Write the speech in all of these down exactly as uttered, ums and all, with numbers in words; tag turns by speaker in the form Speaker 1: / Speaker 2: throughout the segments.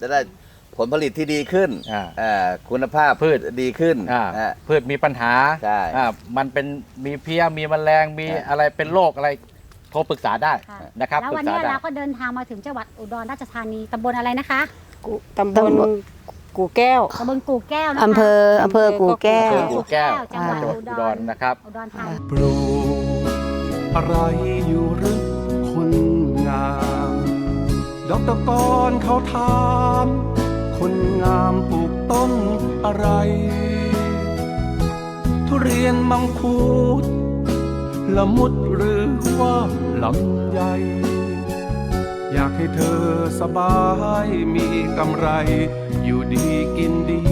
Speaker 1: จะได้ผลผลิตที่ดีขึ้นคุณภาพพืชดีขึ้น
Speaker 2: พืชมีปัญหา
Speaker 1: ใช่
Speaker 2: มันเป็นมีเพี้ยมีแมลงมีอะไรเป็นโรคอะไรโทรปรึกษาได้นะครับ
Speaker 3: แล้ววันนี้เราก็เดินทางมาถึงจังหวัดอุดรราชธานีตำบลอะไรนะคะ
Speaker 4: ตำบลกู่แก้ว
Speaker 3: ตำบลกู่แก้วนะคะ
Speaker 4: อำเภออำเภอกู่แก้ว
Speaker 2: กู่แก้ว
Speaker 3: จังหวัดอุดร
Speaker 2: นะครับ
Speaker 3: อุดรธานี
Speaker 5: ปลูกอะไรอยู่หรือคนงามดอกตะกอนเขาถามคนงามปลูกต้นอะไรทุเรียนมังคุดละมุดหรือว่าลำไยอยากให้เธอสบายมีกำไรอยู่ดีกินดี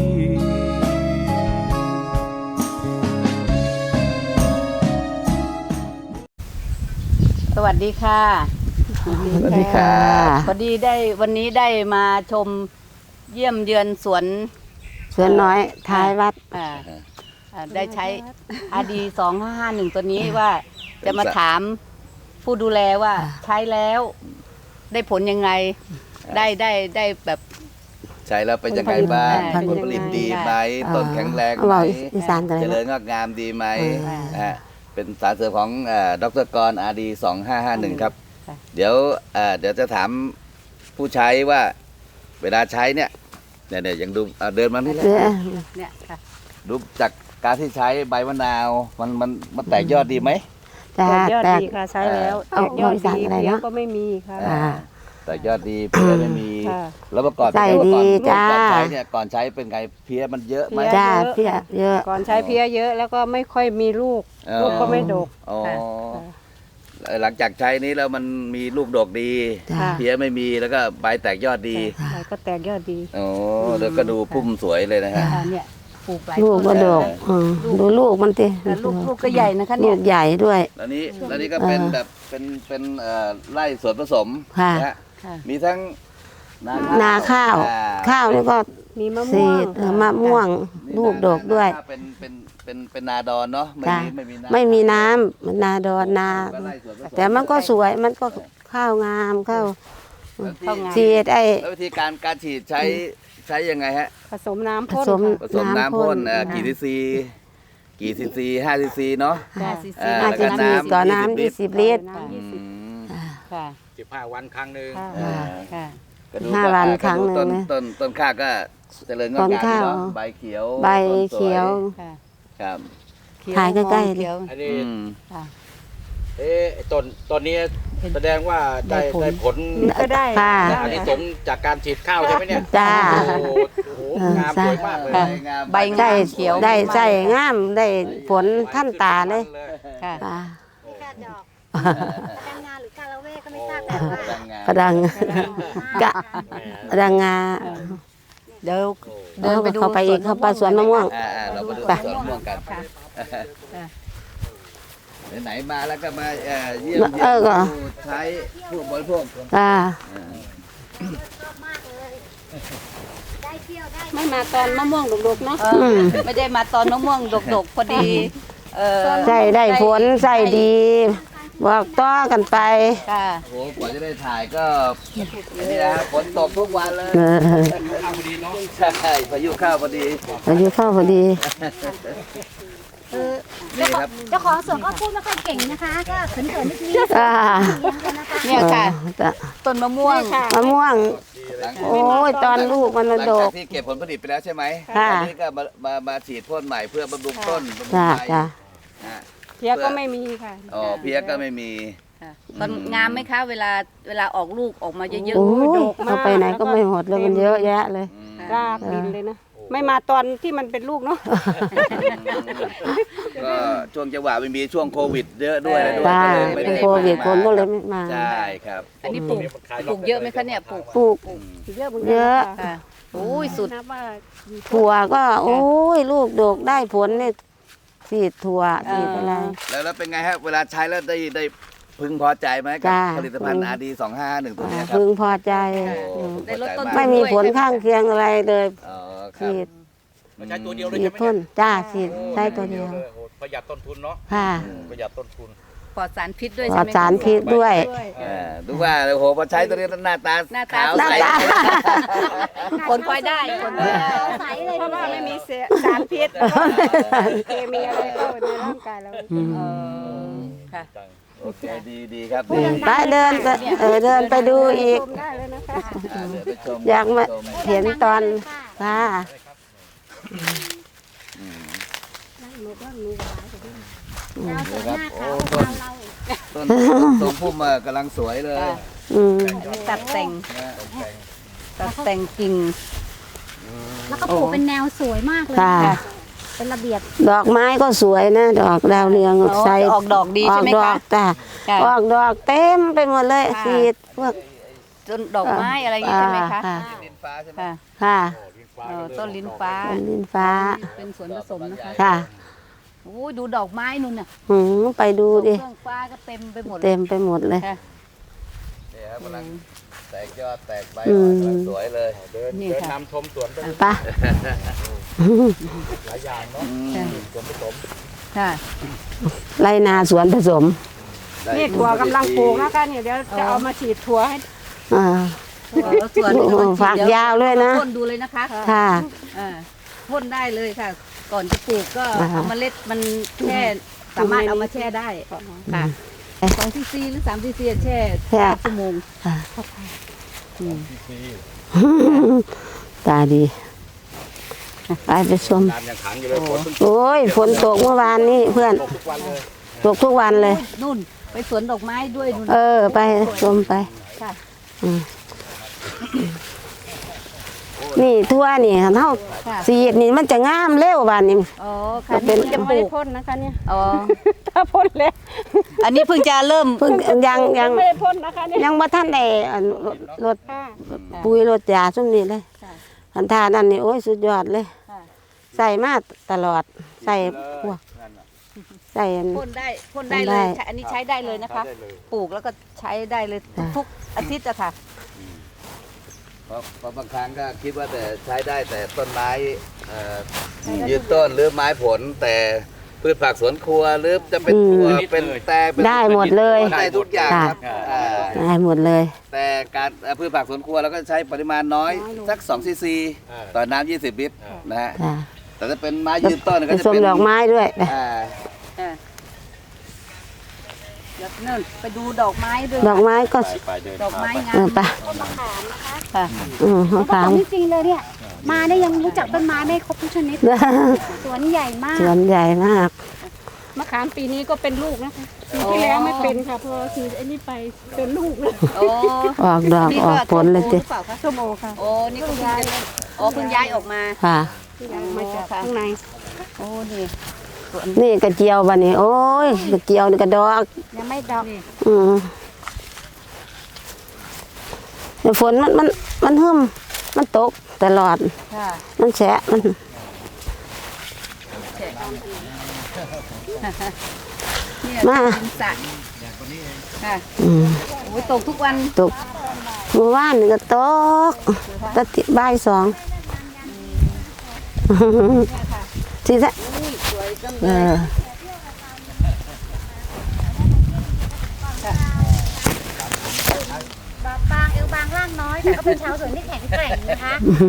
Speaker 4: สวัสดีค่ะ
Speaker 1: สวัสดีค่ะ
Speaker 4: พอดีได้วันนี้ได้มาชมเยี่ยมเยือนสวน
Speaker 6: สวนน้อยท้ายวัด
Speaker 4: ได้ใช้อาดีสองห้าห้าหนึ่งตัวนี้ว่าจะมาถามผู้ดูแลว่าใช้แล้วได้ผลยังไงได้ได้ได้แบบ
Speaker 1: ใช้แล้วเป็นยังไงบ้างผลผลิตดีไหมต้นแข็งแรงไหมเจริญงอกงามดีไหมเป็นสารเสริมของดร.กร อาร์ ดี สองห้าห้าหนึ่งครับเดี๋ยวเดี๋ยวจะถามผู้ใช้ว่าเวลาใช้เนี่ยเนี่ยเนี่ยยังดูเดินมานี่เลย
Speaker 4: เนี่ยค่ะ
Speaker 1: ดูจากการที่ใช้ใบมะนาวมันมันมันแตกยอดดีไหม
Speaker 4: แตกยอดดีค่ะใช้แล้วแตกยอดดีเพี้ยก็ไม่มีค่ะ
Speaker 1: แตกยอดดีเพี้ยไม่มีแล้วเมื่อก่อน
Speaker 6: ใช่ดีจ้า
Speaker 1: ก่อนใช้เนี่ยก่อนใช้เป็นไงเพี้ยมันเยอะไหม
Speaker 6: จ้าเพี้ยเยอะ
Speaker 4: ก่อนใช้เพี้ยเยอะแล้วก็ไม่ค่อยมีลูกลูกก็ไม่ดก
Speaker 1: หลังจากใช้นี้แล้วมันมีลูกดกดีเพี้ยไม่มีแล้วก็ใบแตกยอดดี
Speaker 4: ใบก็แตกยอดดี
Speaker 1: โอ้แล้วก็ดูพุ่มสวยเลยนะฮะ
Speaker 4: เนี่ยปลูกหลาย
Speaker 6: ลูกก็ดกดูลูกมันติ
Speaker 4: ลูกลูกก็ใหญ่นะคะเนี่ย
Speaker 6: ลูกใหญ่ด้วย
Speaker 1: แล้วนี้แล้วนี้ก็เป็นแบบเป็นเป็นไร่สวนผสมนะฮะมีทั้ง
Speaker 6: นาข้าวข้าวนี่ก็
Speaker 4: มีมะม่วง
Speaker 6: มะม่วงลูกดกด้วย
Speaker 1: เป็นเป็นเป็นเป็นนาดอนเนาะไม่มีไม่มีน้ำ
Speaker 6: ไม่มีน้ำมันนาดอนนาแต่มันก็สวยมันก็ข้าวงามข้าวฉีดไอ้
Speaker 1: แล้ววิธีการการฉีดใช้ใช้ยังไงฮะ
Speaker 4: ผสมน้ำพ่น
Speaker 1: ผสมน้ำพ่นกี่ซีซีกี่ซีซีห้าซีซีเนาะ
Speaker 4: ห้าซีซี
Speaker 6: แล้วก็น้ำต่อน้ำยี่สิบลิตร
Speaker 2: ค่ะสิบห้าวันครั้งหนึ่ง
Speaker 6: ห้าวันครั้งหนึ่ง
Speaker 1: ต้นต้นต้นข้าวก็เจริญงอกงามเนาะใบเขียว
Speaker 6: ใบเขียว
Speaker 1: ครับ
Speaker 6: ถ่ายใกล้ๆ
Speaker 2: เลยอันนี้เอ๊ะต้นต้นนี้แสดงว่าได้ได้ผล
Speaker 4: ก็ได้
Speaker 2: อันนี้สมจากการฉีดข้าวใช่ไหมเนี่ย
Speaker 6: จ้า
Speaker 2: โอ้โหงามสวยมากเลย
Speaker 4: ใบได้เขียว
Speaker 6: ได้ใส่งามได้ผลท่านตาเลย
Speaker 3: ค่ะนี่ค่ะดอกดังงาหรือกาละเวก็ไม่ทราบแต่ว่าก
Speaker 6: ระดังกะกระดังงา
Speaker 4: เดี๋ยว
Speaker 6: เดินไปดูเข้าไปอีกเข้าไปสวนมะม่วง
Speaker 1: เราไปดูสวนมะม่วงกันไหนมาแล้วก็มาเยี่ยมเยี่ยมใช้ผู้บริโภค
Speaker 6: อ่า
Speaker 4: ไม่มาตอนมะม่วงดกๆเนาะไม่ได้มาตอนมะม่วงดกๆพอดี
Speaker 6: ใส่ได้ผลใส่ดีบอกต่อกันไป
Speaker 4: ค่ะ
Speaker 1: โอ้กว่าจะได้ถ่ายก็นี่นะฝนตกทุกวันเลยข้าวพอดีเนาะใช่พายุข้าวพอดี
Speaker 6: พายุข้าวพอดี
Speaker 3: เจ้าของสวนก็พูดไม่ค่อยเก่งนะคะก็เขินๆนิดนึง
Speaker 4: เนี่ยค่ะต้นมะม่วง
Speaker 6: มะม่วงโอ้ยตอนลูกมันมาดก
Speaker 1: ที่เก็บผลผลิตไปแล้วใช่ไหมตอนนี้ก็มามามาฉีดพ่นใหม่เพื่อบำรุงต้นบำรุงใบ
Speaker 4: เพี้ยก็ไม่มีค่ะ
Speaker 1: อ๋อเพี้ยก็ไม่มี
Speaker 4: มันงามไหมคะเวลาเวลาออกลูกออกมาเยอะ
Speaker 6: ๆดกมากไปไหนก็ไม่หมดเลยมันเยอะแยะเลย
Speaker 4: รากดินเลยนะไม่มาตอนที่มันเป็นลูกเนาะ
Speaker 1: ก็ช่วงจังหวะไม่มีช่วงโควิดเยอะด้วย
Speaker 6: ใช่เป็นโควิดคนก็เลยไม่มา
Speaker 1: ใช่ครับ
Speaker 4: อันนี้ปลูกปลูกเยอะไหมคะเนี่ยปลูก
Speaker 6: ปลูก
Speaker 4: เยอะ
Speaker 6: เยอะ
Speaker 4: โอ้ยสุด
Speaker 6: ถั่วก็โอ้ยลูกดกได้ผลเนี่ยสีดถั่วสีดอะไร
Speaker 1: แล้วแล้วเป็นไงฮะเวลาใช้แล้วได้ได้พึงพอใจไหมกับผลิตภัณฑ์ อาร์ ดี สองห้าห้าหนึ่งตัวนี้ครับ
Speaker 6: พึงพอใจไม่มีผลข้างเคียงอะไรเลย
Speaker 1: ฉีด
Speaker 2: ใช้ตัวเดียวเลย
Speaker 6: ใช่ไหมพ่นจ้าฉีดใช้ตัวเดียว
Speaker 2: ประหยัดต้นทุนเนาะ
Speaker 6: ค่ะ
Speaker 2: ประหยัดต้นทุน
Speaker 4: ปลอดสารพิษด้วย
Speaker 6: ปล
Speaker 4: ใช่
Speaker 6: อด
Speaker 4: ไหม
Speaker 6: สารพิษด้วย
Speaker 1: เออดูว่าโอ้โหพอใช้ตัวนี้หน้าตา
Speaker 4: หน้าตา
Speaker 1: ขาว
Speaker 6: หน้า
Speaker 1: ใส
Speaker 6: ตา
Speaker 4: ผลพลอยได้ผลพลอยได้
Speaker 3: ใสเลย
Speaker 7: เพราะว่าไม่มีเสียสารพิษเคมีอะไรเข้าในร่างกายเรา
Speaker 4: เออค่ะ
Speaker 1: โอเคดีดีครับ
Speaker 6: อื
Speaker 1: ดี
Speaker 6: มไปเดินไปเออเดินไปดูอีก
Speaker 7: ชมได้เลยนะคะ
Speaker 1: อ่าเดี๋ยวไปชม
Speaker 6: อยากมา
Speaker 1: ช
Speaker 6: เห็นตอนค่ะ
Speaker 3: ดาวสวยมากค่ะพวกเราเรา
Speaker 1: ต้นต้นพุ่มอ่ะกำลังสวยเลย
Speaker 4: ค่ะ
Speaker 6: อืม
Speaker 4: ตัดแต่ง
Speaker 1: นะ
Speaker 4: ตัดแต่งกิ่ง
Speaker 3: แล้วก็ปลูกเป็นแนวสวยมากเลย
Speaker 6: ค่ะ
Speaker 3: ค่ะเป็นระเบียบ
Speaker 6: ดอกไม้ก็สวยนะดอกดาวเรือง
Speaker 4: อ๋อ
Speaker 6: ใส่
Speaker 4: ออกดอกดี
Speaker 6: ออ
Speaker 4: ใช่
Speaker 6: ก
Speaker 4: ไหม
Speaker 6: ดอ
Speaker 4: คะ
Speaker 6: กจ้ะ
Speaker 4: ค่ะ
Speaker 6: ออกดอกเต็มไปหมดเลย
Speaker 4: ค่ะ
Speaker 6: สีดพวก
Speaker 4: จนดอกไม้อะไรอย่างงี้ใช่ไหมคะ
Speaker 6: ค่ะ
Speaker 1: ดินฟ้าใช่ไหม
Speaker 4: ค่ะ
Speaker 6: ค่ะ
Speaker 4: เออต้นลิ้นฟ้า
Speaker 6: ต้นลิ้นฟ้า
Speaker 4: เป็นสวนผสมนะคะ
Speaker 6: ค่ะ
Speaker 4: โอ้ยดูดอกไม้นู่นน่ะ
Speaker 6: หืมไปดูดิ
Speaker 4: เครื่องฟ้าก็เต็มไปหมดเลย
Speaker 6: เต็มไปหมดเลย
Speaker 4: ค่ะ
Speaker 1: เนี่ยครับกำลังแตกยอดแตกใบ
Speaker 6: อืม
Speaker 1: กำลังสวยเลย
Speaker 2: เดิน
Speaker 4: นี่
Speaker 2: เดิน
Speaker 4: ค่ะ
Speaker 2: นำชมสวนไป
Speaker 6: ไป
Speaker 2: หลายอย่างเนาะ
Speaker 4: ค่ะ
Speaker 2: สวนผสม
Speaker 4: ค่ะ
Speaker 6: ไรนาสวนผสม
Speaker 1: ได้
Speaker 7: นี่ถั่วกำลังปลูกนะคะเนี่ยเดี๋ยวจะเอามาฉีดถั่วให้
Speaker 6: อ่า
Speaker 4: แล้วส่วน
Speaker 6: โอ้โหฝากยาวเลยนะ
Speaker 4: พ่นดูเลยนะคะ
Speaker 6: ค่ะ
Speaker 4: อ่าพ่นได้เลยค่ะ ก่อนจะปลูกก็
Speaker 6: อ่าฮะ
Speaker 4: เอาเมล็ดมันแช่สามารถเอามาแช่ได้ค่ะสองซีซีหรือสามซีซีแช่
Speaker 6: แช่
Speaker 4: ชั่วโมง
Speaker 6: ค่ะ
Speaker 4: อืม
Speaker 6: ตาดี ไปไปชม
Speaker 2: น้ำยังขังอยู่เลยฝนเพิ่ง
Speaker 6: โอ้ยฝนตกเมื่อวานนี้เพื่อน
Speaker 2: ตกทุกวันเลย
Speaker 6: ตกทุกวันเลย
Speaker 4: นู่นไปสวนดอกไม้ด้วยนู่น
Speaker 6: เออ ไปชมไป
Speaker 4: ค่ะ
Speaker 6: อืมนี่ทั่วนี่เท่า
Speaker 4: ค่ะ
Speaker 6: สีดนี่มันจะงามเร็วบานนี้
Speaker 4: อ๋อค่ะ
Speaker 6: ก็เป็น
Speaker 4: นี่เพิ่งจะป
Speaker 7: ไม่
Speaker 4: ลู
Speaker 7: ได้
Speaker 4: ก
Speaker 7: พ่นนะคะเนี่ย
Speaker 4: อ๋อ
Speaker 7: ถ้าพ่นแล้ว
Speaker 4: อันนี้เพิ่งจะเริ่ม
Speaker 6: เพิ่งยังยัง
Speaker 7: ไม่ได้พ่นนะคะเนี่ย
Speaker 6: ยังบ่ทันได้อันรถรถ
Speaker 7: ค่ะ
Speaker 6: ปุ๋ยรถยาซุ่มนี้เลย
Speaker 4: ค่ะ
Speaker 6: อันทานั่นนี่โอ้ยสุดยอดเลย
Speaker 4: ค่ะ
Speaker 6: ใส่มาตลอด ใส่พวก
Speaker 2: นั่นน่ะ
Speaker 6: ใส่อัน
Speaker 4: พ่นได้พ่นได้
Speaker 6: พ่น
Speaker 4: เล
Speaker 6: ได้
Speaker 4: ยใช้อันนี้ใช้ได้เลยนะคะ
Speaker 2: ได้เลย
Speaker 4: ปลูกแล้วก็ใช้ได้เลย
Speaker 6: ค่ะ
Speaker 4: ทุกอาทิตย์อะค่ะ
Speaker 1: เพราะเพราะบางครั้งก็คิดว่าแต่ใช้ได้แต่ต้นไม้เอ่อยืนต้นหรือไม้ผล แต่พืชผักสวนครัวหรือจะเป็นถั่วเป็นแต่เป็น
Speaker 6: ได้หมดเลย
Speaker 1: ได้ทุกอย่างครับ
Speaker 2: ค่ะ
Speaker 1: อ่า
Speaker 6: ได้หมดเลย
Speaker 1: แต่การเอ่อพืชผักสวนครัวเราก็ใช้ปริมาณน้อยสักสองซีซี
Speaker 2: อ่า
Speaker 1: ต่อน้ำยี่สิบลิตรนะฮะ
Speaker 6: ค่ะ
Speaker 1: แต่ถ้าเป็นไม้ยืนต้น
Speaker 6: ผ
Speaker 1: ก็จะ
Speaker 6: สม
Speaker 1: เป็น
Speaker 6: ดอกไม้ด้วย
Speaker 1: อ่า
Speaker 4: อ่าเดี๋ยวนั่นไปดูดอกไม้ด้วย
Speaker 6: ดอกไม้ก็
Speaker 2: ไปไปเดิน
Speaker 4: ดอกไม้งา
Speaker 6: เออ
Speaker 4: ม
Speaker 6: ไป
Speaker 4: ค่ะ
Speaker 6: อืม
Speaker 3: ผ
Speaker 6: มะ
Speaker 3: ส
Speaker 6: ขาม
Speaker 3: มจริงๆเลยเนี่ย มาได้ยังรู้จักต้นไม้ไม่ครบทุกชนิด สวนใหญ่มาก
Speaker 6: สวนใหญ่มาก
Speaker 7: มะขามปีนี้ก็เป็นลูกนะคะปีที่แล้วไม่เป็นค่ะพอฉีดไอ้นี่ไปเป็นลูกเลย
Speaker 4: โอ้
Speaker 6: ออกดอก
Speaker 4: นี่
Speaker 6: ออกผลเลย
Speaker 4: ห
Speaker 6: จิ
Speaker 4: รือเปล่าคะ
Speaker 7: ส้มโอค่ะ
Speaker 4: โอ้นี่ก็เพิ่งจะโอ้เพิ่งย้ายออกมา
Speaker 6: ค่ะ
Speaker 7: ที่ยังมาจากข้างใน
Speaker 4: โอ้นี่สวน
Speaker 6: นี่กระเจียวบันนี้ โอ้ยกระเจียวนี่กระดอก
Speaker 3: ยังไม่ดอก
Speaker 4: นี่
Speaker 6: อืมเดี๋ยวฝนมันมันมันหึมมันตกตลอด
Speaker 4: ค่ะ
Speaker 6: มันแฉะมัน
Speaker 4: แฉะเนี่ย
Speaker 6: มา
Speaker 4: เป็นสระค่ะ
Speaker 6: อืม
Speaker 4: โอ้ยตกทุกวัน
Speaker 6: ตกเมื่อวานนี่ก็ตกตะติบ่ายสองสิซะ
Speaker 4: อุ้ยสวยจัง
Speaker 6: เอ
Speaker 4: เลย
Speaker 6: อ
Speaker 3: ดอกบางเอวบางร่างน้อย แต่ก็เป็นชาวสวนที่แข็งแกร่งนะคะ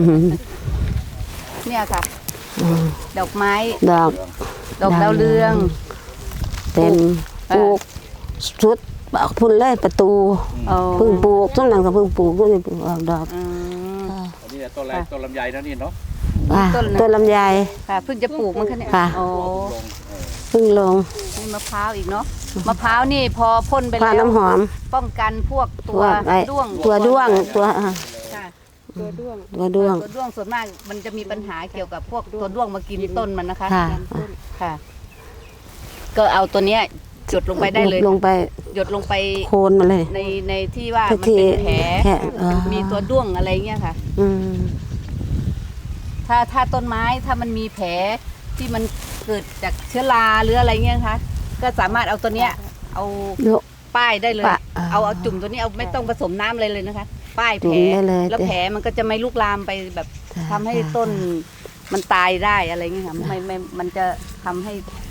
Speaker 4: เนี่ยค่ะ ดอกไม้
Speaker 6: ดอก
Speaker 4: ดอกดาวเรือง
Speaker 6: เต็มปลูกชุดพุ่นเลยประตู
Speaker 4: โอ้
Speaker 6: เพิ่งปลูกต้นนั้นก็เพิ่งปลูกต้นนี้ปลูกออกดอก
Speaker 4: อืม
Speaker 2: อันนี้ต้นอะไรต้นลำไยนะนี่เนาะ
Speaker 6: อ่ะ
Speaker 4: ต้นอะไร
Speaker 6: ต้นลำไย
Speaker 4: ค่ะเพิ่งจะปลูกมันคะเนี่ย
Speaker 6: ค่ะ
Speaker 4: โอ้
Speaker 6: เพิ่งลง
Speaker 4: นี่มะพร้าวอีกเนาะมะพร้าวนี่พอพ่นไป
Speaker 6: ผ้า
Speaker 4: แล้ว
Speaker 6: น้ำหอม
Speaker 4: ป้องกันพวกตั
Speaker 6: ตัว วไอ้
Speaker 4: ด้วง
Speaker 6: ตัวด้วงตัวอ่ะ
Speaker 4: ค่ะ
Speaker 7: ตัวด้วง
Speaker 6: ตัวด้วง
Speaker 4: ตัวด้วงส่วนมากมันจะมีปัญหาเกี่ยวกับพวกตัวด้วงมากินต้นมันนะคะ
Speaker 6: ค่ะ
Speaker 4: ค่ะ ก็เอาตัวเนี้ยหยดลงไปได้เลย
Speaker 6: ลงไป
Speaker 4: หยดลงไป
Speaker 6: โคนมาเลย
Speaker 4: ในในที่ว่ามัน
Speaker 6: ที่
Speaker 4: เป็นแผล
Speaker 6: แผลอ๋อ
Speaker 4: มีตัวด้วงอะไรเงี้ยค่ะ
Speaker 6: อืม
Speaker 4: ถ้าถ้าต้นไม้ถ้ามันมีแผลที่มันเกิดจากเชื้อราหรืออะไรเงี้ยนะคะก็สามารถเอาตัวเนี้ยเอา
Speaker 6: โยก
Speaker 4: ป้ายได้เลย
Speaker 6: ปะอ่า
Speaker 4: เอาเอาจุ่มตัวนี้เอาไม่ต้องผสมน้ำอะไรเลยนะคะ ป้ายแผ
Speaker 6: จุ่
Speaker 4: ล
Speaker 6: มได้เลย
Speaker 4: แล้วแผลมันก็จะไม่ลุกลามไปแบบ
Speaker 6: จ้ะ
Speaker 4: ทำให้
Speaker 6: จ้ะ
Speaker 4: ต้นมันตายได้อะไรเงี้ยค่ะไม่ไม่มันจะทำให้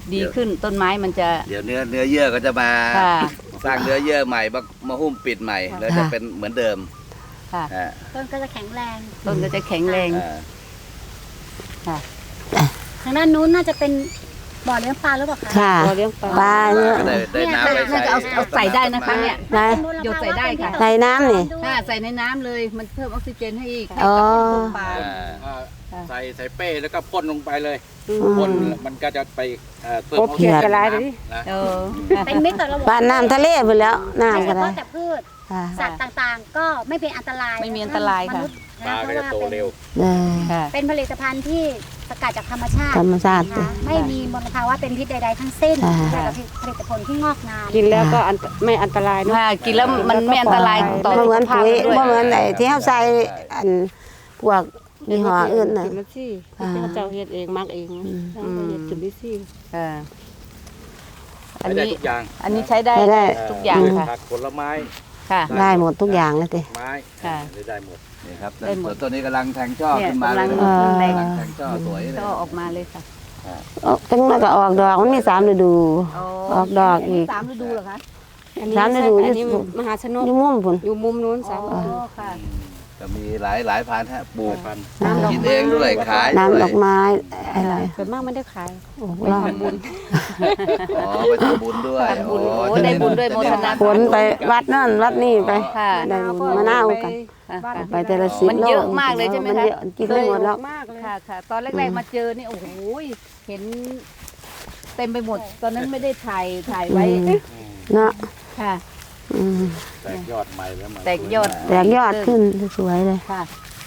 Speaker 4: ดีขึ้นต้นไม้มันจะ
Speaker 1: เดี๋ยวเนื้อเนื้อเยื่อก็จะมา
Speaker 4: ค่ะ
Speaker 1: สร้างเนื้อเยื่อใหม่มามาหุ้มปิดใหม่ แล้วจะเป็นเหมือนเดิม
Speaker 4: ค่ะ
Speaker 1: อ่า
Speaker 3: ต้นก็จะแข็งแรง
Speaker 4: ต้นก็จะแข็งแรง
Speaker 1: อ่า
Speaker 4: ค่ะ
Speaker 3: ทางด้านนู้นน่าจะเป็นบ่อเลี้ยงปลาหรือเปล่าคะ
Speaker 6: ค่ะ
Speaker 7: เราเลี้ยงปลา
Speaker 6: ปลาเนี่ย
Speaker 1: ก็ได้ได้น้ำไป
Speaker 4: น่า
Speaker 1: ใส่
Speaker 4: จะเอาเอาใส่ได้นะคะเนี่ย
Speaker 6: ได้
Speaker 4: โยนใส่ได้ค่ะ
Speaker 6: ใส่น้ำนี่
Speaker 4: ถ้าใส่ในน้ำเลยมันเพิ่มออกซิเจนให้อีกให้
Speaker 6: อ๋อ
Speaker 4: กับต้นปลา
Speaker 1: อ่า
Speaker 2: อ่าใส่ใส่เป้แล้วก็พ่นลงไปเลย
Speaker 6: อืม
Speaker 2: พ่นมันก็จะไปเอ่อเพิ่ม
Speaker 7: โอเคกระไรเลย
Speaker 2: นะ
Speaker 4: เออ
Speaker 3: เป็นมิตรต่อระบบ
Speaker 6: ปลาน้ำทะเลไปแล้ว
Speaker 3: ไม่
Speaker 6: น้ำ
Speaker 3: เฉ
Speaker 6: ก็ได้
Speaker 3: พาะแต่พืช
Speaker 6: ค่ะ
Speaker 3: สัตว์ต่างๆ ก็ไม่เป็นอันตราย
Speaker 4: ไม่มีอันตรายค่ะ
Speaker 3: มนุษย์
Speaker 2: ปลา
Speaker 3: นะเพ
Speaker 2: ก็
Speaker 3: ราะ
Speaker 2: จะ
Speaker 3: ว่า
Speaker 2: โต
Speaker 3: เป็น
Speaker 2: เร็ว
Speaker 6: ได้
Speaker 4: ค่ะ
Speaker 3: เป็นผลิตภัณฑ์ที่สกัดจากธรรมชาติ
Speaker 6: ธรรมชาติ
Speaker 3: นะคะไม่มีมลภาวะเป็นพิษใดๆทั้งสิ้น
Speaker 6: ค่ะ
Speaker 3: แต่กับผลิตผลที่งอกงาม
Speaker 7: กินแล้วก็อันไม่อันตรายเนอะ
Speaker 4: ค่ะกินแล้วมันไม่อันตรายต่อ
Speaker 6: บ่
Speaker 4: สุ
Speaker 6: เหมื
Speaker 4: ข
Speaker 6: อน
Speaker 4: ภาพ
Speaker 6: ปุ๋ย
Speaker 4: ด้วย
Speaker 6: บ่เหมือนไอ้ที่เฮาใส่อันพวกยี่ห้ออื่นน่ะ
Speaker 7: กินมันสิที่เขาเจ้าเฮ็ดเองมักเองเขาก็เฮ็ดกินได้สิ
Speaker 4: ค่ะอัน
Speaker 2: ใช้ได้
Speaker 4: นี้
Speaker 2: ทุกอย่าง
Speaker 4: อันนี้ใช้ได้
Speaker 6: ใช้ได้
Speaker 4: ทุกอย่างค่ะ
Speaker 2: ผักผลไม้
Speaker 4: ค่ะ
Speaker 6: ได้หมดทุกอย่างเลยติ
Speaker 2: ไม้
Speaker 4: ค่ะ
Speaker 2: ได้หมด
Speaker 1: นี่ครับ
Speaker 4: ได้หมด
Speaker 1: ส่วนต้นนี้กำลังแทงช่อ
Speaker 4: เนี่ย
Speaker 1: ขึ้นมาเลย
Speaker 4: กำลัง
Speaker 1: นะ
Speaker 6: เอ่อ
Speaker 1: กำลังแทงช่อสวยเลย
Speaker 4: ก็ออกมาเลยค่ะ
Speaker 6: เอาจังนั้นก็ออกดอกมันมีสามฤดู ออกดอกอีก
Speaker 4: สามฤดูเหรอคะ
Speaker 7: อันนี้
Speaker 6: สามฤดู
Speaker 7: อันนี้มหาชนก
Speaker 6: อยู่มุมพุ่น
Speaker 7: อยู่มุมนู้นสาม
Speaker 4: อ๋อค่ะ
Speaker 1: จะมีหลายหลายพันธุ์ฮะปลูก
Speaker 2: พัน
Speaker 6: น้ำดอก
Speaker 1: กินเองด้วยขาย
Speaker 6: น้ำ
Speaker 1: ด้
Speaker 6: ด
Speaker 1: ว
Speaker 6: อย กไม้อะไร
Speaker 7: ส่วนมากไม่ได้ขาย
Speaker 6: โอ้โหเรา
Speaker 1: อ๋อไปทำบุญด้วย
Speaker 4: ทำบุญ
Speaker 1: อ๋อ
Speaker 4: โอ้ได้บุญด้วยโมทนา
Speaker 6: ขนไปวัดนั่นวัดนี่ไป
Speaker 4: ค่ะ
Speaker 6: ได้มะนาวกัน
Speaker 4: ค่ะ
Speaker 6: ไปแต่ละสิบ
Speaker 4: มัน
Speaker 6: โล
Speaker 4: เยอะมากเลยใช่ไหม
Speaker 6: มัน
Speaker 4: คะ
Speaker 6: เยอะกินไม่หมดแล้ว
Speaker 7: มากเลย
Speaker 4: ค่ะค่ะตอนแรกๆมาเจอนี่โอ้โหเห็น เต็มไปหมด ตอนนั้นไม่ได้ถ่ายถ่ายไว้
Speaker 6: อืม เนาะ
Speaker 4: ค่ะ
Speaker 6: อืม
Speaker 2: แตกยอดใหม่แล้วมัน
Speaker 4: แตกยอด
Speaker 6: แตกยอดขึ้นสวยเลย
Speaker 4: ค่ะ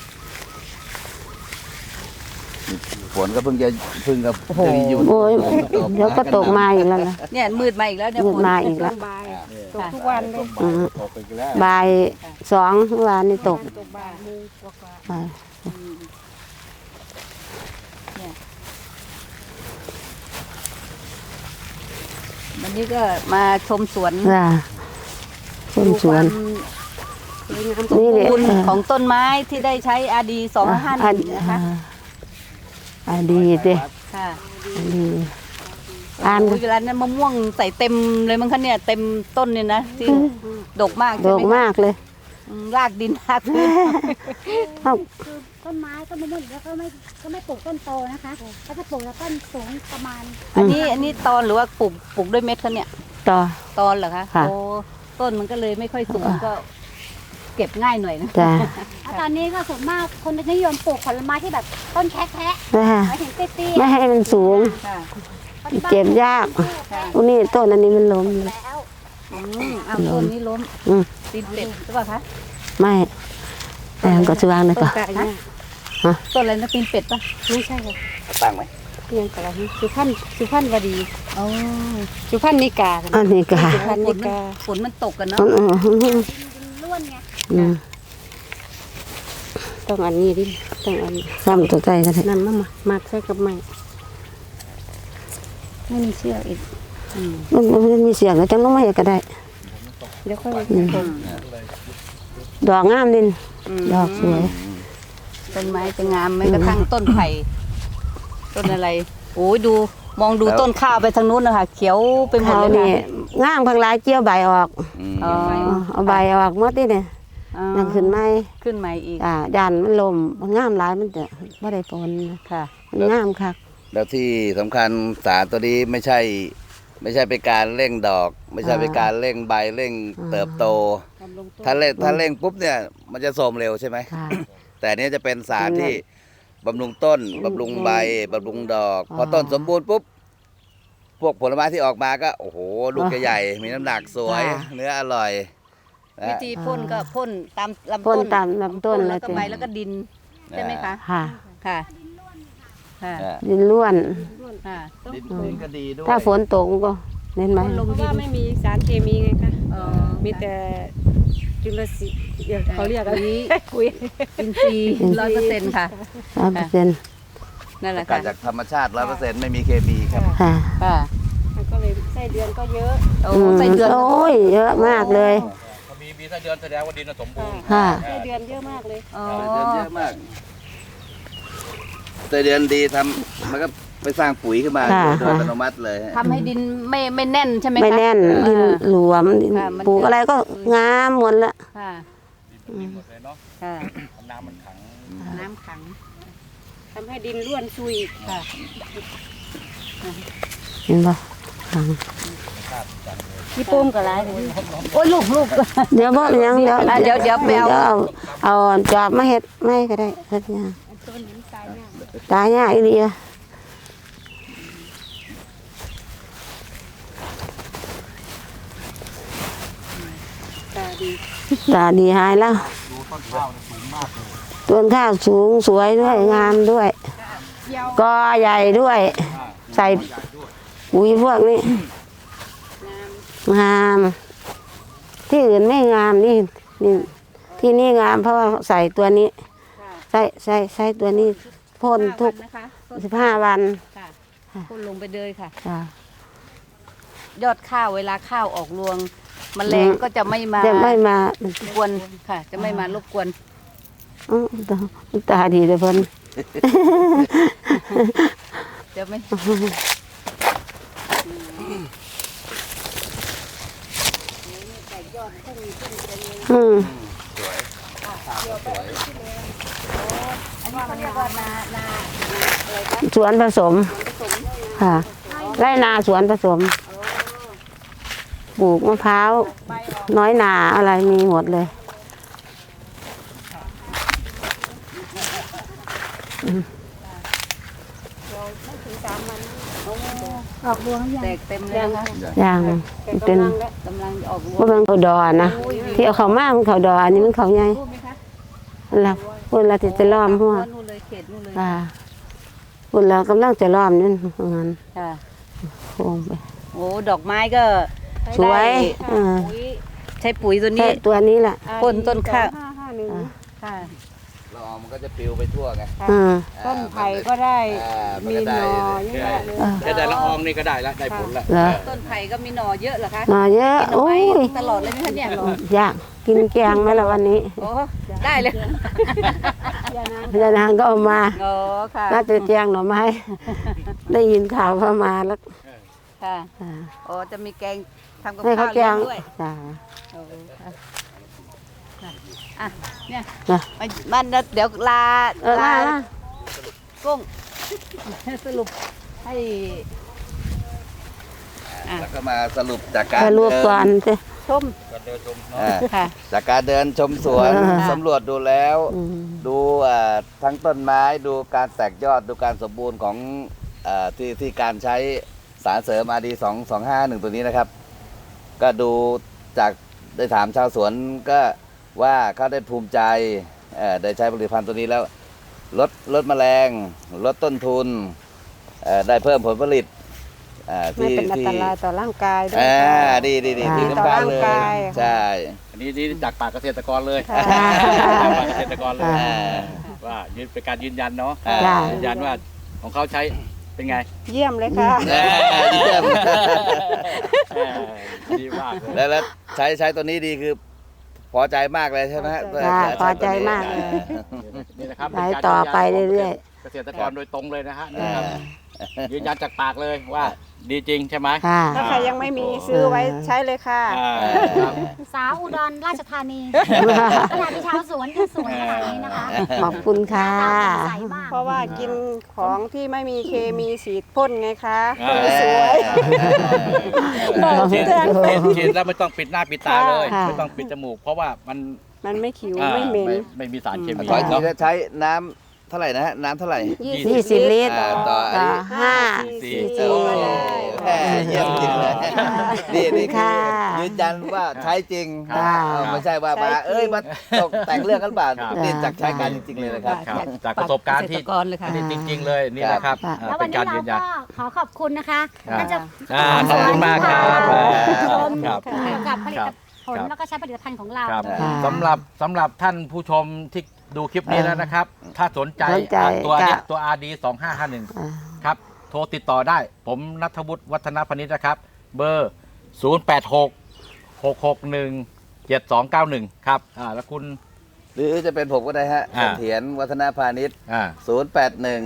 Speaker 1: ฝนก็เพิ่งจะเพิ่งกับ
Speaker 4: โอ้โห
Speaker 1: จะหยุด
Speaker 6: โอ้ย
Speaker 1: ฝนตก
Speaker 6: เดี๋ยวก็ตกมาอีกแล้วนะ
Speaker 4: เนี่ยมืดมาอีกแล้วเนี่ย
Speaker 6: มืด
Speaker 4: ฝน
Speaker 6: มาอีกแล้ว
Speaker 7: บายตกทุกวันเลย
Speaker 6: อืม
Speaker 2: ตกไปอีกแล้ว
Speaker 6: บ่ายสองเมื่อวานนี่ตก
Speaker 7: ตกบ่ายโมงกว่า
Speaker 6: อ่า
Speaker 4: วันนี้ก็มาชมสวน
Speaker 6: จ้ะต้นสวน
Speaker 4: ดูความ
Speaker 6: นี่แหละ
Speaker 4: คุณ
Speaker 6: เออ
Speaker 4: ของต้นไม้ที่ได้ใช้อาดีสองห้าหนึ่งนะคะ
Speaker 6: อ่าดีดิ
Speaker 4: ค่ะ
Speaker 6: ดีอ่าน
Speaker 4: โอ้ยเวลานั้นมะม่วงใส่เต็มเลยมั้งคะเนี่ยเต็มต้นเนี่ยนะที่ดกมาก
Speaker 6: ด
Speaker 4: ใช่
Speaker 6: ก
Speaker 4: ไหมคะ
Speaker 6: มากเลย
Speaker 4: อืมรากดินรากพื้น
Speaker 6: เอ้า
Speaker 3: คือต้นไม้ต้นมะม่วงแล้วก็ไม่ก็ไม่ปลูกต้นโตนะคะก็จะปลูกแล้วต้นสูงประมาณ
Speaker 4: อันนี้อันนี้ตอนหรือว่าปลูกปลูกด้วยเม็ดคะเนี่ย
Speaker 6: ต่อ
Speaker 4: ตอนเหรอคะ
Speaker 6: ค่ะ
Speaker 4: โอ้ต้นมันก็เลยไม่ค่อยสูงก็เก็บง่ายหน่อยนะ
Speaker 6: จ้ะ
Speaker 3: แล้วตอนนี้ก็ส่วนมากคนจะนิยมปลูกผลไม้ที่แบบต้นแคะแคะ
Speaker 6: นะฮะ
Speaker 3: หมายถึงเตี้ย
Speaker 6: ไม่ให้มันสูง
Speaker 4: ค่ะ
Speaker 3: ๆ
Speaker 6: เจ็บยาก
Speaker 4: ค่ะ
Speaker 6: อุยนี่ต้นอันนี้มันล้ม
Speaker 3: แล้ว
Speaker 4: อืมอ้าวต้นนี้ล้ม
Speaker 6: อืม
Speaker 4: ตีนเป็ดหรือเปล่าคะ
Speaker 6: ไม่แต่มันก็สว่างเลย
Speaker 7: ต้น
Speaker 6: ต่อก
Speaker 7: ะเนี่ย
Speaker 4: ต้นอะไรนะตีนเป็ดปะ
Speaker 7: ไม่ใช่ค่ะ
Speaker 1: ตั้งไหม
Speaker 7: เพียงแต่ละสุพรรณสุพรรณวดี
Speaker 4: อ๋อ
Speaker 7: สุพรรณนิกา
Speaker 6: อันนี้ก็
Speaker 7: สุพรรณ
Speaker 4: ฝ
Speaker 7: นิ
Speaker 4: นมัน
Speaker 7: กา
Speaker 4: ฝนมันตกกันเนาะ
Speaker 6: อืมอืมอืม
Speaker 3: ดินล้วนไง
Speaker 6: อืม
Speaker 7: ต้องอันนี้ดิต้องอันนี้
Speaker 6: ซ้ำตัวใจกันเถอะ
Speaker 7: นั่นมามามาใช้กับไม้ไม่มีเชือกอีก
Speaker 6: มันมันมีเสียงก็จังต้องมาเห็นก็ได้
Speaker 7: เดี๋ยวค่อย
Speaker 6: อืมดอกงามดิน
Speaker 4: ม
Speaker 6: ดอกสวย
Speaker 4: ต้นไม้จะงามแม้กระทั่งต้นไผ่ต้นอะไรโอ้ยดูมองดูต้นข้าวไปทางนู้นนะคะเขียวไปหมด
Speaker 6: เขา
Speaker 4: เลย
Speaker 6: นี่
Speaker 4: ค่ะ
Speaker 6: งามพังหลายเจียวใบออก
Speaker 1: อืม
Speaker 4: อ๋อ
Speaker 6: เอาใบออกหมดนี่เนี่ย
Speaker 4: อ๋อ
Speaker 6: นั่นขึ้นไม้
Speaker 4: ขึ้นใหม่อีก
Speaker 6: อ่ายันมันลมมันงามหลายมันจะไม่ได้ผลนะ
Speaker 4: ค่ะ
Speaker 6: มันงามคัก
Speaker 1: แล้วที่สำคัญสารตัวนี้ไม่ใช่ ไม่ใช่เป็นการเร่งดอก ไม่ใช่เป็นการเร่งใบเร่งเติบโต ถ้าเร่งถ้าเร่งปุ๊บเนี่ย มันจะโทรมเร็วใช่ไหม
Speaker 6: ค่ะ
Speaker 1: แต่อันนี้จะเป็นสารที่บำรุงต้นบำรุงใบบำรุงดอก พอต้นสมบูรณ์ปุ๊บ พวกผลไม้ที่ออกมาก็ โอ้โห ลูกใหญ่ๆมีน้ำหนักสวย เนื้ออร่อยนะ
Speaker 4: วิธีพ่นก็พ่นตามลำ
Speaker 6: พ่
Speaker 4: ต้
Speaker 6: น
Speaker 4: น
Speaker 6: ตามลำต้น
Speaker 4: พ่
Speaker 6: เลย
Speaker 4: แล้วก็
Speaker 6: จ้ะ
Speaker 4: ใบแล้วก็ดินใช่ไหมคะ
Speaker 6: ค่ะ
Speaker 4: ค่ะค่ะ
Speaker 1: อ่า
Speaker 6: ดินล้วน
Speaker 4: ค่ะ
Speaker 1: ดินดินก็ดีด้วย
Speaker 6: ถ้าฝนตกก็เห็นไหม
Speaker 7: เพราะว่าไม่มีสารเคมีไงคะ
Speaker 4: เอ่อ
Speaker 7: มีแต่จุลศิลป์เดี๋ยวเขาเรียกอะไรคุย
Speaker 4: อินทรีย์ร้อยเปอร์เซ็นต์ค่ะ
Speaker 6: ร้อยเปอร์เซ็นต์
Speaker 4: นั่นแหละ
Speaker 1: กา
Speaker 4: ค่ะ
Speaker 1: รจากธรรมชาติร้อยเปอร์เซ็นต์ไม่มีเคมีครับ
Speaker 6: ค่ะ
Speaker 4: ค่ะ
Speaker 7: มันก็เลยไส้เดือนก็เยอะ
Speaker 4: โอ้
Speaker 6: อืม
Speaker 4: ใส่เดือน
Speaker 6: โอ้ยเยอะมากเลย
Speaker 2: ถ้ามีมีถ้าเดือนแสดงว่าดินสมบูรณ์
Speaker 6: ค่ะ
Speaker 7: ไส้เดือนเยอะมากเลย
Speaker 4: อ๋อ
Speaker 1: เดือนเยอะมากแต่เดือนดีทำมันก็ไปสร้างปุ๋ยขึ้นมา
Speaker 6: ค่ะ
Speaker 1: โดยอัตโนมัติเลยฮะ
Speaker 4: ทำให้ดินไม่ไม่แน่นใช่ไหมคะ
Speaker 6: ไม่แน่นดิน
Speaker 4: อ่า
Speaker 6: หลวมดิน
Speaker 4: ค่ะมัน
Speaker 6: ปลูกอะไรก็งามหมดละ
Speaker 4: ค่ะ
Speaker 2: ดีหมดเลยเนาะ
Speaker 4: ค่ะ
Speaker 2: น้ำมันขัง
Speaker 4: น้ำขัง
Speaker 7: ทำให้ดินร่วนซุย
Speaker 4: ค่ะ
Speaker 6: เห็นปะ
Speaker 4: พี่ปุ้มกับไรโอ้ยลูกลูก
Speaker 6: เดี๋ยวบ่ยังเดี๋ยว
Speaker 4: อ่ะเดี๋ยวเดี๋ยวไปเอา
Speaker 6: เอาเอาจอบมาเฮ็ดไม่ก็ได้เฮ็ดยังตายยากอีเดียตาดีหายแล้วต้นข้าวสูงสวยด้วยงามด้วยกอใหญ่ด้วย ใส่ปุ๋ยพวกนี้งามที่อื่นไม่งามนี่นี่ที่นี่งามเพราะว่าใส่ตัวนี้ใส่ใส่ใส่ตัวนี้พ่นทุก
Speaker 4: นะคะ
Speaker 6: สิบห้าวัน
Speaker 4: ค่ะพ่นลงไปเลยค่ะ
Speaker 6: จ้ะ
Speaker 4: ยอดข้าวเวลาข้าวออกรวงแมลงก็จะไม่มา
Speaker 6: จะไม่มาร
Speaker 4: บกวนค่ะ จะไม่มารบกวน
Speaker 6: อื้อตาตาดีเลยเพิ่น
Speaker 4: จะไม่
Speaker 6: อืม
Speaker 4: อันนี้เขาเรียกว่านานาอะไรคะ
Speaker 6: สวนผสมค่ะไร่นาสวนผสมปลูกมะพร้าวน้อยนาอะไรมีหมดเลยอืม
Speaker 4: แตกเต็มเลยนะคะ
Speaker 6: อย่างเป็น
Speaker 4: กำลังออกรวง
Speaker 6: ว่าเป็นเขาดอนะที่เอาเขามามันเขาดออันนี้มันเขาใหญ่
Speaker 4: พูดไหมคะ
Speaker 6: แล้วคนเราจะล้อมหัว
Speaker 4: นู่นเลยเขตนู่นเลย
Speaker 6: ค่ะคนเรากำลังจะล้อมนี่งั้น
Speaker 4: ค่ะ
Speaker 6: โค้งไป
Speaker 4: โอ้ดอกไม้ก็
Speaker 6: สวยเออ
Speaker 4: ใช้ปุ๋ยตัว
Speaker 6: ใช่
Speaker 4: นี้
Speaker 6: ตัวนี้แหละ
Speaker 4: พ่นต้นข้าว
Speaker 7: ห้าห้าหนึ่ง
Speaker 4: ค่ะ
Speaker 1: ละอองมันก็จะปลิวไปทั่วไง
Speaker 6: อืม
Speaker 7: ต้นไผ่ก็ได้
Speaker 1: อ่ามัน
Speaker 7: มี
Speaker 1: ก็
Speaker 7: ห
Speaker 1: ได้
Speaker 7: นอเยอะเลย
Speaker 2: แค่แต่ละอองนี่ก็ได้ละได้ผลละ
Speaker 6: เหรอ
Speaker 4: ต้นไผ่ก็มีหน่อเยอะเหรอคะ
Speaker 6: หน่อเยอะ
Speaker 4: กินหน่อ
Speaker 6: โอ้
Speaker 4: ไม้
Speaker 6: ย
Speaker 4: ตลอดเลยไหมคะเนี่ย
Speaker 6: อยากกินแกงไหมล่ะวันนี้
Speaker 4: โอ้ได้เลย
Speaker 6: พญานางก็เอามา
Speaker 4: โอ้ค่ะ
Speaker 6: น่าจะแจงหน่อไม้ ได้ยินข่าวว่ามาแล้ว
Speaker 4: ค่ะ
Speaker 6: อ่า
Speaker 4: โอ้จะมีแกงทำกับ
Speaker 6: ให้เขา
Speaker 4: ข้าว
Speaker 6: แจ
Speaker 4: เลี้ย
Speaker 6: ง
Speaker 4: งด้วย
Speaker 6: จ้า
Speaker 4: โอ้ค่ะอ่ะเนี่ย
Speaker 6: จ้ะ
Speaker 4: ไปบ้านเดี๋ยวลา
Speaker 6: เออมามา
Speaker 4: กุ้ง สรุปให้ อ่ะ
Speaker 1: แล้วก็มาสรุปจากการ
Speaker 6: ไปรวบ
Speaker 1: เดิ
Speaker 6: ก่อนสิ
Speaker 4: ชม
Speaker 1: อ่า
Speaker 4: ค่ะ
Speaker 1: จากการเดินชมสวน
Speaker 6: เออ
Speaker 1: สำรวจดูแล้ว
Speaker 6: อืม
Speaker 1: ดูอ่าทั้งต้นไม้ดูการแตกยอดดูการสมบูรณ์ของอ่าที่ที่การใช้สารเสริมอาดีสองสองห้าหนึ่งตัวนี้นะครับ ก็ดูจากได้ถามชาวสวนก็ว่าเขาได้ภูมิใจเอ่อได้ใช้ผลิตภัณฑ์ตัวนี้แล้วลดลดแมลง ลดต้นทุนเอ่อได้เพิ่มผลผลิตอ่า
Speaker 7: ไม่
Speaker 1: ที่
Speaker 7: เป็นอัน
Speaker 1: ที่
Speaker 7: ตรายต่อร่างกายด้วย
Speaker 1: อ่า
Speaker 7: ค่ะ
Speaker 1: ดีดีดี
Speaker 6: ค่ะ
Speaker 1: ที่
Speaker 7: ต่อ
Speaker 1: สำคัญ
Speaker 7: ร่าง
Speaker 1: เลย
Speaker 7: กาย
Speaker 1: ใช่
Speaker 2: อันนี้นี่จากปากเกษตรกรเลย
Speaker 7: ค่ะ
Speaker 2: จากปากเกษตรกรเลย
Speaker 1: อ่า
Speaker 2: ว่ายืนเป็นการยืนยันเนาะ
Speaker 1: อ่า
Speaker 6: จ้ะ
Speaker 2: ยืนยันว่าของเขาใช้เป็นไง
Speaker 7: เยี่ยมเลยค่ะ
Speaker 1: เอ่อเยี่ยม
Speaker 2: เออดีมากเลย
Speaker 1: แล้วแล้วใช้ใช้ตัวนี้ดีคือพอใจมากเลยใช่ไหมฮะ
Speaker 6: จ้ะพอใจมากเลย
Speaker 2: นี่นะครับ
Speaker 6: ไปต่อไปเรื่อย
Speaker 2: ๆเกษตรกรโดยตรงเลยนะฮะนี่ครับยืนยันจากปากเลยว่าดีจริงใช่ไหม
Speaker 6: ค่ะ
Speaker 7: ถ้าใครยังไม่มีซื้อไว้ใช้เลยค่ะ
Speaker 2: อ่าครับ
Speaker 3: สาวอุดรราชธานีขนาดที่ชาวสวนยังสวยขนาดนี้นะคะ
Speaker 6: ขอบคุณค่ะ
Speaker 3: ตาแจ่มใสมาก
Speaker 7: เพราะว่ากินของที่ไม่มีเคมีฉีดพ่นไงคะ
Speaker 2: อ่า
Speaker 7: สวย
Speaker 2: ฉีดฉีดฉีดแล้วไม่ต้องปิดหน้าปิดตาเลย
Speaker 6: ค่ะ
Speaker 2: ไม่ต้องปิดจมูก เพราะว่ามัน
Speaker 7: มันไม่ขิว
Speaker 2: อ่า
Speaker 7: ไม่เหม็น
Speaker 2: ไม่มีสารเคมี
Speaker 1: ขออีกที
Speaker 2: เนาะ
Speaker 1: นะใช้น้ำเท่าไหร่นะฮะน้ำเท่าไหร่
Speaker 6: ยี่สิบลิตร
Speaker 1: อ่าต่ออัน
Speaker 6: ต่อ
Speaker 1: นี้
Speaker 6: ห้า
Speaker 2: สี่
Speaker 6: ซี
Speaker 1: โอ้
Speaker 6: ซี
Speaker 1: โหแหม่เยี่ยมจริงเลยนี่นี่คือ
Speaker 6: ค่ะ
Speaker 1: ยืนยันว่าใช้จริง
Speaker 6: ค่ะ
Speaker 1: เออไม่ใช่ว่ามา
Speaker 7: ใช้จริง
Speaker 1: เอ้ยมาตกแต่งเรื่องกันเปล่า
Speaker 2: ครับ
Speaker 1: นี่จากใช้การจริงๆเลยนะครับ
Speaker 2: ครับจากประสบการณ์ที่
Speaker 4: เกษตรกรเลยค่ะ
Speaker 2: อันนี้จริง ๆ เลยนี่แหละครับ
Speaker 6: ครับ
Speaker 2: อ่า
Speaker 3: แล้ว
Speaker 2: เป็
Speaker 3: วัน
Speaker 2: น
Speaker 3: นี้
Speaker 2: การ
Speaker 3: เรา
Speaker 2: ยืนยั
Speaker 3: ก็
Speaker 2: น
Speaker 3: ขอขอบคุณนะคะ
Speaker 2: ครับ
Speaker 3: ท่านเจะ
Speaker 2: อ่าขอบคุณมากครับ
Speaker 3: ชม
Speaker 2: ครับ
Speaker 3: เกี่ยวกับผลิ
Speaker 2: ค
Speaker 3: ต
Speaker 2: รับ
Speaker 3: ผล
Speaker 2: ครับ
Speaker 3: แล้วก็ใช้ผลิตภัณฑ์ของเรา
Speaker 2: ครับ
Speaker 6: ค่ะ
Speaker 2: สำหรับสำหรับท่านผู้ชมที่ดูคลิปนี้แล้วนะครับ ถ้าสนใจ
Speaker 6: สนใจ
Speaker 2: อ่าตัวเนี้ย
Speaker 6: จะ
Speaker 2: ตัว อาร์ ดี สองห้าห้าหนึ่ง
Speaker 6: อ่า
Speaker 2: ครับ โทรติดต่อได้ ผมนัทวุฒิวัฒนพนิชนะครับ เบอร์ ศูนย์ แปด หก หก หก หนึ่ง เจ็ด สอง เก้า หนึ่ง ครับอ่าแล้วคุณ
Speaker 1: หรือจะเป็นผมก็ได้ฮะ
Speaker 2: อ่า
Speaker 1: เสถียรวัฒนพาณิชย์
Speaker 2: อ่า
Speaker 1: ศูนย์ แปด หนึ่ง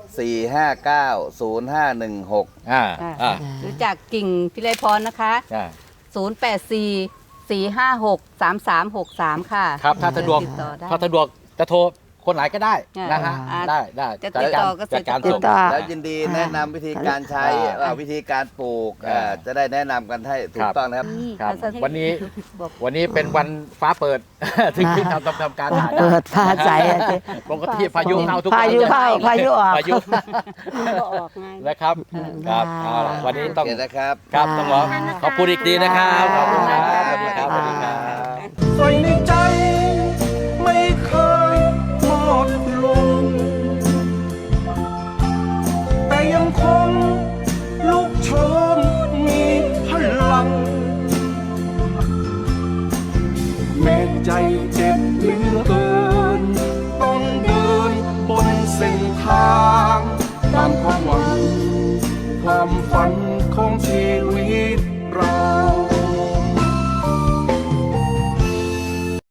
Speaker 1: สี่ห้าเก้าศูนย์ห้าหนึ่งหก
Speaker 2: อ่า
Speaker 4: อ่า
Speaker 2: อ่า
Speaker 4: หรือจากกิ่งพิไลพรนะคะ
Speaker 2: อ่า
Speaker 4: ศูนย์ แปด สี่ สี่ ห้า หก สาม สาม หก สาม ค่ะ
Speaker 2: ครับถ้าสะดวก
Speaker 4: ติต่อได้
Speaker 2: ถ้าสะดวกจะโทรคนไหนก็ได้
Speaker 4: อ่าน
Speaker 2: นะฮะ
Speaker 4: อ่า
Speaker 2: ได้ได้
Speaker 4: จะติดต่อก็
Speaker 2: จัดการ
Speaker 4: ติด
Speaker 2: ส่ง
Speaker 6: ต่อ
Speaker 1: แล้วยินดีแนะนำวิธีการใช้
Speaker 2: อ่า
Speaker 1: เอ่อวิธีการปลูก
Speaker 2: อ่า
Speaker 1: เอ่อจะได้แนะนำกันให้ถู
Speaker 2: ครั
Speaker 1: ก
Speaker 2: บ
Speaker 1: ต้องนะครับ
Speaker 4: นี่
Speaker 2: ครับ
Speaker 4: ค่ะ
Speaker 2: วันนี้
Speaker 4: บอก
Speaker 2: วันนี้เป็นวันฟ้าเปิด ถึงที่ทำทำทำการถ่ายได้
Speaker 6: เปิดฟ้าใสอะสิ
Speaker 2: ปกติพายุเข้าทุก
Speaker 6: พายุ
Speaker 2: วัน
Speaker 6: เข้าพายุออก
Speaker 2: พายุ
Speaker 7: ก็ออกไง
Speaker 2: นะครับครับ
Speaker 6: ได้
Speaker 2: เอาล่ะวันนี้ต้อง
Speaker 1: โอเคนะครับ
Speaker 2: ครับต้องขอขอบคุณอีกทีนะครับขอบคุณครับ
Speaker 6: ได้
Speaker 2: สวัสดีครับสวัสดีครับ
Speaker 5: ไฟในใจไม่เคยหมดลง แต่ยังคงลุกโชนมีพลัง แม้ใจเจ็บเหลือเกิน